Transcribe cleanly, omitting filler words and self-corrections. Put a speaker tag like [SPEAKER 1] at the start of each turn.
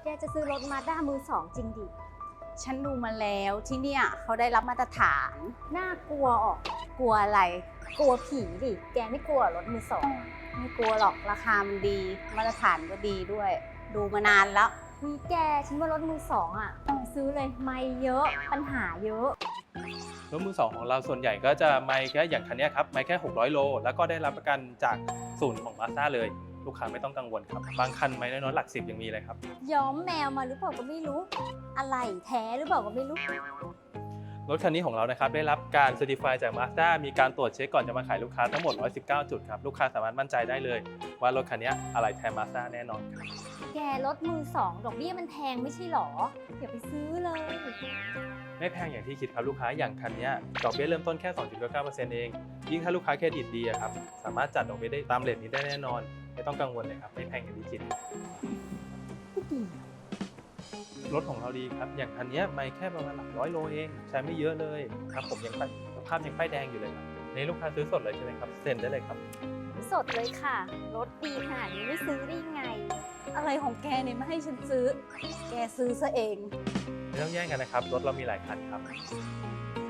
[SPEAKER 1] จะซื้อรถมาด้ามือสองจริงดิ
[SPEAKER 2] ฉันดูมาแล้วที่เนี่ยเขาได้รับมาตรฐาน
[SPEAKER 1] น่ากลัวออก
[SPEAKER 2] กลัวอะไร
[SPEAKER 1] กลัวผีดิ แกไม่กลัวรถมือสอง
[SPEAKER 2] ไม่กลัวหรอกราคามันดี มาตรฐานก็ดีด้วย ดูมานานแล้ว
[SPEAKER 1] มีแกฉันว่ารถมือสองอ่ะซื้อเลยไม่เยอะปัญหาเยอะ
[SPEAKER 3] รถมือสองของเราส่วนใหญ่ก็จะไม่แค่อย่างคันนี้ครับไม่แค่600 โลแล้วก็ได้รับประกันจากศูนย์ของ Mazda เลยลูกค้าไม่ต้องกังวลครับบางคันไม่น้อยๆหลัก10ยังมีเลยครับ
[SPEAKER 1] ย้อมแมวมาหรือเปล่าก็ไม่รู้ อะไรแท้หรือเปล่าก็ไม่รู้
[SPEAKER 3] รถคันนี้ของเรานะครับได้รับการเซอร์ติฟายจาก Mazda มีการตรวจเช็คก่อนจะมาขายลูกค้าทั้งหมด119 จุดครับลูกค้าสามารถมั่นใจได้เลยว่ารถคันนี้อะไรแท้ Mazda แน่นอนครับ
[SPEAKER 1] แกรถมือสองดอกเบี้ยมันแพงไม่ใช่หรออย่าไปซื้อเลย
[SPEAKER 3] ไม่แพงอย่างที่คิดครับลูกค้าอย่างคันนี้ดอกเบี้ยเริ่มต้นแค่ 2.9% เองยิ่งถ้าลูกค้าเครดิตดีอะครับสามารถจัดดอกเบี้ยได้ตามเรทนี้ได้แน่นอนไม่ต้องกังวลเลยครับไม่แพงอย่างที่คิด
[SPEAKER 1] ไม่ดี
[SPEAKER 3] รถของเราดีครับอย่างคันนี้ไม่แค่ประมาณหลัก100 โลเองใช้ไม่เยอะเลยครับผมยังสภาพยังป้ายแดงอยู่เลยครับนี่ลูกค้าซื้อสดเลยใช่ไหมครับเซ็นได้เลยครับ
[SPEAKER 1] สดเลยค่ะ รถดีขนาดนี้ไม่ซื้อได้ยังไง
[SPEAKER 2] อะไรของแกเนี่ยไม่ให้ฉันซื้อ แกซื้อซะเอง
[SPEAKER 3] ไม่ต้องแย่งกันนะครับรถเรามีหลายคันครับ